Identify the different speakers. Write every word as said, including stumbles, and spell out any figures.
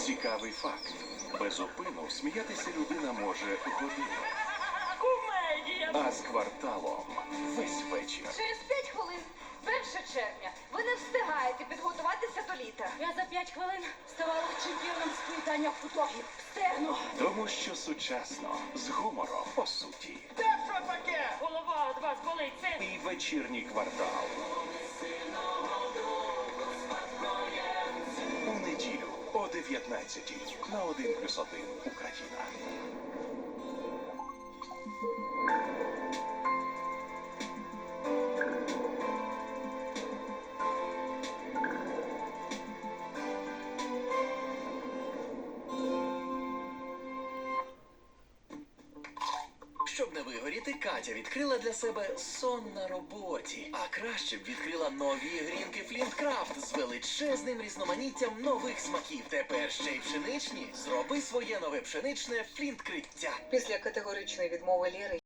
Speaker 1: Цікавий факт. Без упину сміятися людина може годину.
Speaker 2: Кумедія!
Speaker 1: А з кварталом весь вечір.
Speaker 3: Через п'ять хвилин, перше червня, ви не встигаєте підготуватися до літа.
Speaker 2: Я за п'ять хвилин ставала чемпіоном з плітання футогів. Встигну!
Speaker 1: Тому що сучасно, з гумором, по суті.
Speaker 2: Де що таке? Голова від вас болить, це...
Speaker 1: І вечірній квартал. У неділю о дев'ятнадцятій на один плюс один Україна.
Speaker 4: Щоб не вигоріти, Катя відкрила для себе сон на роботі. А краще б відкрила нові грінки Флінткрафт з величезним різноманіттям нових смаків. Тепер ще й пшеничні. Зроби своє нове пшеничне флінткриття.
Speaker 5: Після категоричної відмови Лєри